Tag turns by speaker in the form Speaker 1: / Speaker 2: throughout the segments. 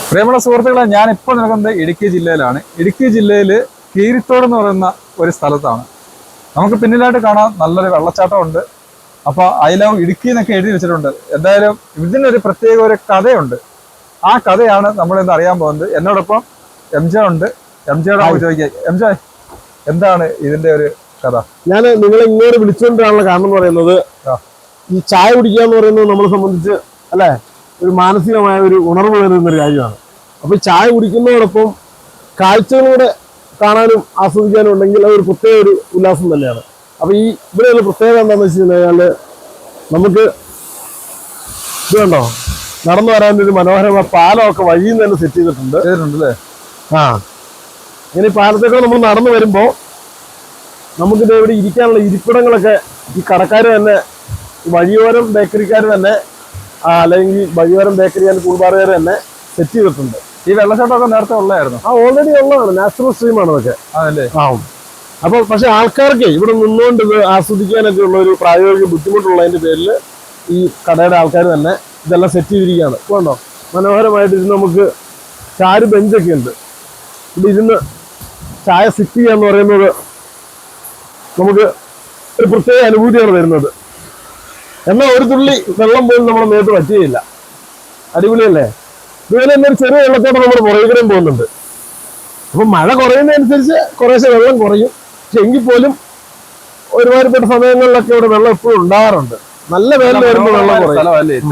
Speaker 1: പ്രിയമുള്ള സുഹൃത്തുക്കളെ, ഞാനിപ്പോൾ നിൽക്കുന്നത് ഇടുക്കി ജില്ലയിലാണ്. ഇടുക്കി ജില്ലയിൽ കീരിത്തോട് എന്ന് പറയുന്ന ഒരു സ്ഥലത്താണ്. നമുക്ക് പിന്നിലായിട്ട് കാണാൻ നല്ലൊരു വെള്ളച്ചാട്ടമുണ്ട്. അപ്പോൾ ഐ ലവ് ഇടുക്കി എന്നൊക്കെ എഴുതി വെച്ചിട്ടുണ്ട്. എന്തായാലും ഇതിനൊരു പ്രത്യേക ഒരു കഥയുണ്ട്. ആ കഥയാണ് നമ്മളിന്ന് അറിയാൻ പോകുന്നത്. എന്നോടൊപ്പം എംജെ ഉണ്ട്. എംജെയോട് ചോദിക്കാം, എംജെ എന്താണ് ഇതിന്റെ ഒരു കഥ?
Speaker 2: ഞാൻ നിങ്ങളെ ഇങ്ങോട്ട് വിളിച്ചുകൊണ്ടാണുള്ള കാരണം എന്ന് പറയുന്നത്, ഈ ചായ കുടിക്കുക എന്ന് പറയുന്നത് നമ്മളെ സംബന്ധിച്ച് അല്ലെ ഒരു മാനസികമായ ഒരു ഉണർവ് വരുന്നൊരു കാര്യമാണ്. അപ്പൊ ഈ ചായ കുടിക്കുന്നതോടൊപ്പം കാഴ്ചകളൂടെ കാണാനും ആസ്വദിക്കാനും ഉണ്ടെങ്കിൽ അതൊരു പ്രത്യേക ഒരു ഉല്ലാസം തന്നെയാണ്. അപ്പൊ ഈ ഇവിടെ ഒരു പ്രത്യേകത എന്താണെന്ന് വെച്ച് കഴിഞ്ഞാല് നമുക്ക് ഇത് കണ്ടോ, നടന്നു വരാൻ ഒരു മനോഹരമായ പാലമൊക്കെ വഴിയിൽ നിന്ന് തന്നെ സെറ്റ് ചെയ്തിട്ടുണ്ട്.
Speaker 1: അല്ലേ?
Speaker 2: ഇങ്ങനെ ഈ പാലത്തേക്ക് നമ്മൾ നടന്നു വരുമ്പോ നമുക്കിത് ഇവിടെ ഇരിക്കാനുള്ള ഇരിപ്പിടങ്ങളൊക്കെ ഈ കടക്കാർ തന്നെ, വഴിയോരം ബേക്കറിക്കാർ തന്നെ, അല്ലെങ്കിൽ വഴിയോരം ബേക്കറി ആൻഡ് കൂൾബാറുകാർ തന്നെ സെറ്റ് ചെയ്തിട്ടുണ്ട്.
Speaker 1: ഈ വെള്ളച്ചാട്ടമൊക്കെ നേരത്തെ ഉള്ളതായിരുന്നു?
Speaker 2: ഓൾറെഡി ഉള്ളതാണ്, നാച്ചുറൽ സ്ട്രീമാണ് അതൊക്കെ. അപ്പൊ പക്ഷെ ആൾക്കാർക്ക് ഇവിടെ നിന്നുകൊണ്ട് ഇത് ആസ്വദിക്കാനൊക്കെ ഉള്ള ഒരു പ്രായോഗിക ബുദ്ധിമുട്ടുള്ളതിന്റെ പേരിൽ ഈ കടയുടെ ആൾക്കാർ തന്നെ ഇതെല്ലാം സെറ്റ് ചെയ്തിരിക്കുകയാണ്. വേണ്ടോ, മനോഹരമായിട്ട് ഇരുന്ന് നമുക്ക് ചാരു ബെഞ്ചൊക്കെ ഉണ്ട്. ഇവിടെ ഇരുന്ന് ചായ സിറ്റ് ചെയ്യാന്ന് പറയുന്നത് നമുക്ക് ഒരു പ്രത്യേക അനുഭൂതിയാണ് വരുന്നത്. എന്നാൽ ഒരു തുള്ളി വെള്ളം പോലും നമ്മുടെ മേത്ത് പറ്റുകയില്ല. അടിപൊളിയല്ലേ? ഇതുപോലെ തന്നെ ഒരു ചെറിയ വെള്ളത്തോടെ നമ്മൾ പുറകിലും പോകുന്നുണ്ട്. അപ്പൊ മഴ കുറയുന്നതനുസരിച്ച് കുറേശ്ശെ വെള്ളം കുറയും. പക്ഷെ എങ്കിൽ പോലും ഒരുമാതിരിപ്പെട്ട സമയങ്ങളിലൊക്കെ ഇവിടെ വെള്ളം എപ്പോഴും ഉണ്ടാകാറുണ്ട്. നല്ല വേനൽ വരുമ്പോൾ വെള്ളം കുറയും.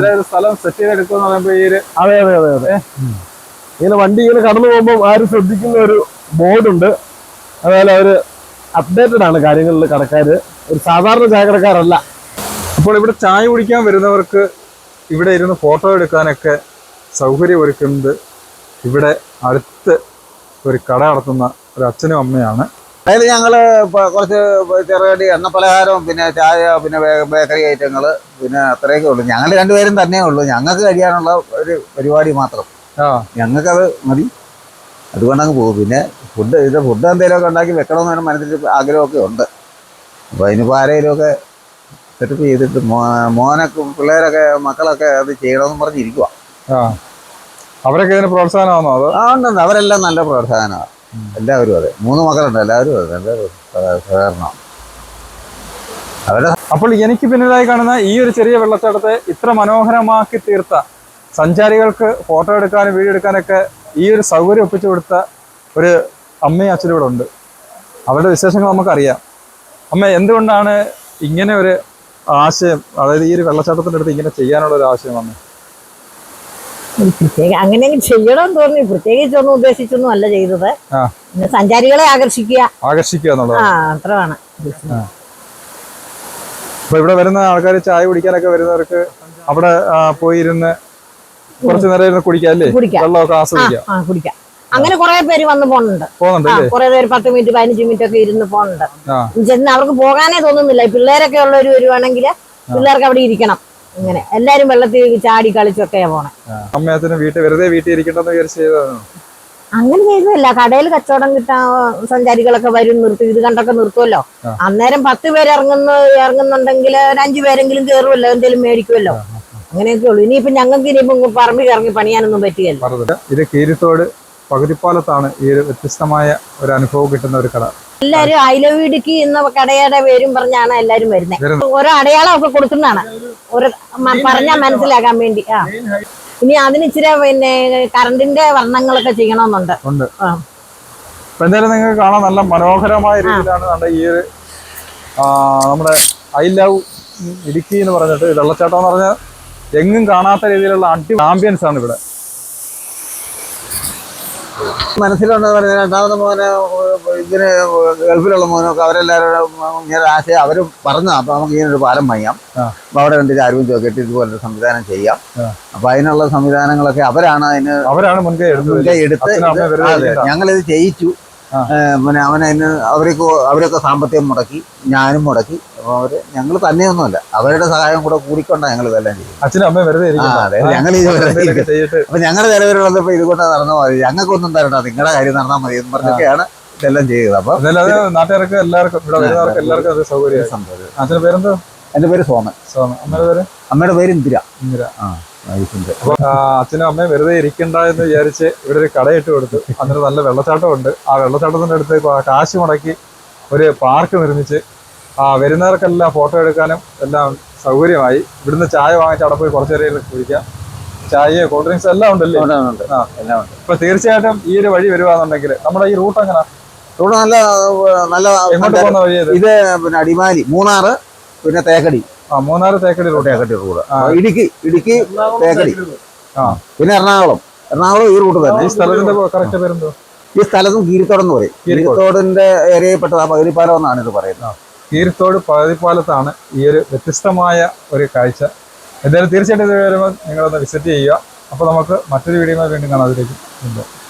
Speaker 2: അതെ അതെ അതെ അതെ. ഇങ്ങനെ വണ്ടി ഇങ്ങനെ കടന്നു പോകുമ്പോൾ ആരും ശ്രദ്ധിക്കുന്ന ഒരു ബോർഡുണ്ട്. അതുപോലെ അവര് അപ്ഡേറ്റഡ് ആണ് കാര്യങ്ങളിൽ കടക്കാര്, ഒരു സാധാരണ ചായക്കടക്കാരല്ല.
Speaker 1: അപ്പോൾ ഇവിടെ ചായ കുടിക്കാൻ വരുന്നവർക്ക് ഇവിടെ ഇരുന്ന് ഫോട്ടോ എടുക്കാനൊക്കെ സൗകര്യം ഒരുക്കുന്നത് ഇവിടെ അടുത്ത് ഒരു കട നടത്തുന്ന ഒരു അച്ഛനും അമ്മയാണ്.
Speaker 3: അതിൽ ഞങ്ങള് കുറച്ച് ചെറുകടി, എണ്ണ പലഹാരവും, പിന്നെ ചായ, പിന്നെ ബേക്കറി ഐറ്റങ്ങൾ, പിന്നെ അത്രയൊക്കെ ഉള്ളൂ. ഞങ്ങൾ രണ്ടുപേരും തന്നെ ഉള്ളൂ. ഞങ്ങൾക്ക് കഴിയാനുള്ള ഒരു പരിപാടി മാത്രം. ഞങ്ങൾക്കത് മതി, അതുകൊണ്ടങ്ങ് പോകും. പിന്നെ ഫുഡ് എന്തെങ്കിലുമൊക്കെ ഉണ്ടാക്കി വെക്കണമെന്ന് മനസ്സിൽ ആഗ്രഹമൊക്കെ ഉണ്ട്. അപ്പോൾ അതിനിപ്പോൾ ആരെങ്കിലുമൊക്കെ സെറ്റപ്പ് ചെയ്തിട്ട് മോനൊക്കെ പിള്ളേരൊക്കെ മക്കളൊക്കെ അത് ചെയ്യണമെന്ന് പറഞ്ഞിരിക്കുക.
Speaker 1: അവരൊക്കെ ഇതിന് പ്രോത്സാഹനമാണോ? അതോ?
Speaker 3: ഉണ്ടുണ്ട്, അവരെല്ലാം നല്ല പ്രോത്സാഹനമാണ്. എല്ലാവരും അതെ, 3 മക്കളുണ്ട്, എല്ലാവരും അതെ, നല്ല സഹകരണമാണ് അവരുടെ.
Speaker 1: അപ്പോൾ എനിക്ക് പിന്നിലായി കാണുന്ന ഈ ഒരു ചെറിയ വെള്ളച്ചാട്ടത്തെ ഇത്ര മനോഹരമാക്കി തീർത്ത, സഞ്ചാരികൾക്ക് ഫോട്ടോ എടുക്കാനും വീഡിയോ എടുക്കാനൊക്കെ ഈ ഒരു സൗകര്യം ഒപ്പിച്ചു കൊടുത്ത ഒരു അമ്മയും അച്ഛനും ഇവിടെ ഉണ്ട്. അവരുടെ വിശേഷങ്ങൾ നമുക്കറിയാം. അമ്മ, എന്തുകൊണ്ടാണ് ഇങ്ങനെ ഒരു ആശയം, അതായത് ഈ ഒരു വെള്ളച്ചാട്ടത്തിൻ്റെ അടുത്ത് ഇങ്ങനെ ചെയ്യാനുള്ള ഒരു ആശയം അമ്മ?
Speaker 4: അങ്ങനെ ചെയ്യണമെന്ന് തോന്നി, പ്രത്യേകിച്ചൊന്നും ഉദ്ദേശിച്ചൊന്നും അല്ല ചെയ്തത്. സഞ്ചാരികളെ ആകർഷിക്കുക എന്നുള്ളത് അത്രയാണ്.
Speaker 1: അപ്പൊ ഇവിടെ വരുന്ന ആൾക്കാർ ചായ കുടിക്കാനൊക്കെ വരുന്നവർക്ക് അവിടെ പോയിരുന്ന് കുറച്ചു നേരം ഇരുന്ന് കുടിക്കാം അല്ലേ? വെള്ളമൊക്കെ ആസ്വദിക്കാം.
Speaker 4: അങ്ങനെ കുറെ പേര് വന്ന് പോകുന്നുണ്ട്. കുറെ പേര് 10 മിനിറ്റ് 15 മിനിറ്റ് ഒക്കെ ഇരുന്ന് പോകുന്നുണ്ട്. ചെന്ന് അവർക്ക് പോകാനേ തോന്നുന്നില്ല. പിള്ളേരൊക്കെ ഉള്ളവര് വരുവാണെങ്കിൽ പിള്ളേർക്ക് അവിടെ ഇരിക്കണം. ഇങ്ങനെ എല്ലാരും വെള്ളത്തിൽ ചാടി കളിച്ചൊക്കെയാ പോണേ.
Speaker 1: അമ്മയത്തിന് വെറുതെ വീട്ടിൽ ഇരിക്കണ്ടെന്ന് വിചാരിച്ചു
Speaker 4: അങ്ങനെ ചെയ്തതല്ല. കടയിൽ കച്ചവടം കിട്ടാൻ സഞ്ചാരികളൊക്കെ വരും, നിർത്തി ഇത് കണ്ടൊക്കെ നിർത്തുമല്ലോ. അന്നേരം 10 പേര് ഇറങ്ങുന്നുണ്ടെങ്കിൽ ഒരു 5 പേരെങ്കിലും കയറുമല്ലോ, എന്തെങ്കിലും മേടിക്കുമല്ലോ. അങ്ങനെയൊക്കെ ഉള്ളു. ഇനിയിപ്പോ ഞങ്ങൾക്ക് ഇനിയിപ്പം പറമ്പിൽ ഇറങ്ങി പണിയാനൊന്നും പറ്റിയല്ലോ.
Speaker 1: ഇത് കീരിത്തോട് പകുതിപ്പാലത്താണ് ഈ ഒരു വ്യത്യസ്തമായ ഒരു അനുഭവം കിട്ടുന്ന ഒരു കട.
Speaker 4: എല്ലാരും ഐ ലവ് ഇടുക്കി എന്ന കടയുടെ പേരും പറഞ്ഞാണ് എല്ലാരും വരുന്നത്. ഓരോ അടയാളം ഒക്കെ കൊടുക്കുന്നതാണ്, ഓരോ പറഞ്ഞാൽ മനസ്സിലാക്കാൻ വേണ്ടി. ഇനി അതിന് ഇച്ചിരി പിന്നെ കറണ്ടിന്റെ വർണ്ണങ്ങളൊക്കെ ചെയ്യണമെന്നുണ്ട്.
Speaker 1: എന്തായാലും നിങ്ങൾക്ക് കാണാൻ നല്ല മനോഹരമായ രീതിയിലാണ് ഈ ഒരു നമ്മുടെ ഐ ലവ് ഇടുക്കി എന്ന് പറഞ്ഞിട്ട് വെള്ളച്ചാട്ടം എന്ന് പറഞ്ഞാൽ എങ്ങും കാണാത്ത രീതിയിലുള്ള ആംബിയൻസ് ആണ് ഇവിടെ.
Speaker 3: മനസ്സിലുണ്ടെന്ന് പറഞ്ഞാൽ രണ്ടാമത് മോനെ ഇതിന് ഗൾഫിലുള്ള മോനൊക്കെ അവരെല്ലാവരും ഇങ്ങനെ ആശയം അവർ പറഞ്ഞു. അപ്പൊ നമുക്ക് ഇങ്ങനൊരു പാലം പണിയാം, അപ്പൊ അവിടെ കണ്ടിട്ട് ആരും ചോദിച്ചിട്ട് ഇതുപോലൊരു സംവിധാനം ചെയ്യാം. അപ്പൊ അതിനുള്ള സംവിധാനങ്ങളൊക്കെ അവരാണ് മുൻകൈ എടുത്ത് ഞങ്ങളിത് ചെയ്യിച്ചു. പിന്നെ അവനതിന് അവരൊക്കെ സാമ്പത്തികം മുടക്കി, ഞാനും മുടക്കി. അപ്പൊ ഞങ്ങൾ തന്നെയൊന്നുമല്ല, അവരുടെ സഹായം കൂടെ കൂടിക്കൊണ്ടാണ് ഞങ്ങൾ ഇതെല്ലാം ചെയ്യും.
Speaker 1: അച്ഛനും അമ്മ വെറുതെ
Speaker 3: ഞങ്ങൾ അപ്പൊ ഞങ്ങളുടെ നിലവിലുള്ളപ്പോ ഇതുകൊണ്ട് നടന്നാൽ മതി, ഞങ്ങൾക്കൊന്നും തരണ്ട, നിങ്ങളുടെ കാര്യം നടന്നാൽ മതി എന്ന് പറഞ്ഞൊക്കെയാണ് ഇതെല്ലാം ചെയ്തത്. അപ്പൊ
Speaker 1: നാട്ടുകാർക്ക് എല്ലാവർക്കും സൗകര്യം. അച്ഛന്റെ പേരെന്തോ?
Speaker 3: എന്റെ പേര് സോമൻ.
Speaker 1: അമ്മയുടെ പേര്?
Speaker 3: അമ്മയുടെ പേര് ഇന്ദിര. ഐസിന്റെ.
Speaker 1: അപ്പൊ അച്ഛനും അമ്മയും വെറുതെ ഇരിക്കണ്ട എന്ന് വിചാരിച്ച് ഇവിടെ ഒരു കടയിട്ട് കൊടുത്തു. അന്നേരം നല്ല വെള്ളച്ചാട്ടം ഉണ്ട്. ആ വെള്ളച്ചാട്ടത്തിന്റെ അടുത്ത് കാശ് മുടക്കി ഒരു പാർക്ക് നിർമ്മിച്ച് വരുന്നവർക്കെല്ലാം ഫോട്ടോ എടുക്കാനും എല്ലാം സൗകര്യമായി. ഇവിടുന്ന് ചായ വാങ്ങിച്ച് അവിടെ പോയി കുറച്ചു നേരം കുടിക്കാം. ചായയോ കൂൾ ഡ്രിങ്ക്സ് എല്ലാം ഉണ്ടല്ലേ?
Speaker 3: എല്ലാം ഉണ്ട്.
Speaker 1: ഇപ്പൊ തീർച്ചയായിട്ടും ഈ ഒരു വഴി വരുവാന്നുണ്ടെങ്കിൽ നമ്മുടെ ഈ റൂട്ട് എങ്ങനെ
Speaker 3: ഇവിടെ നല്ല
Speaker 1: എങ്ങോട്ട് പോകുന്ന വഴി
Speaker 3: ഇത് പിന്നെ അടിമാലി, മൂന്നാറ്, പിന്നെ തേക്കടി.
Speaker 1: മൂന്നാറ് തേക്കടി റൂട്ട്.
Speaker 3: തേക്കടി റൂട്ട്. ഇടുക്കി തേക്കടി.
Speaker 1: ആ
Speaker 3: പിന്നെ എറണാകുളം ഈ റൂട്ട് തന്നെ.
Speaker 1: ഈ സ്ഥലത്തിന്റെ കറക്റ്റ് പേരെന്തോ?
Speaker 3: ഈ സ്ഥലത്തും കീരിത്തോട് എന്ന് പറയും. കീരിത്തോടിന്റെ ഏരിയയിൽപ്പെട്ട പകുതിപ്പാലം എന്നാണ് ഇത് പറയുന്നത്.
Speaker 1: കീരിത്തോട് പകുതിപ്പാലത്താണ് ഈ ഒരു വ്യത്യസ്തമായ ഒരു കാഴ്ച. എന്തായാലും തീർച്ചയായിട്ടും ഇത് വരുമ്പോൾ നിങ്ങളൊന്ന് വിസിറ്റ് ചെയ്യുക. അപ്പോൾ നമുക്ക് മറ്റൊരു വീഡിയോ വീണ്ടും കാണാം. അതിലേക്ക്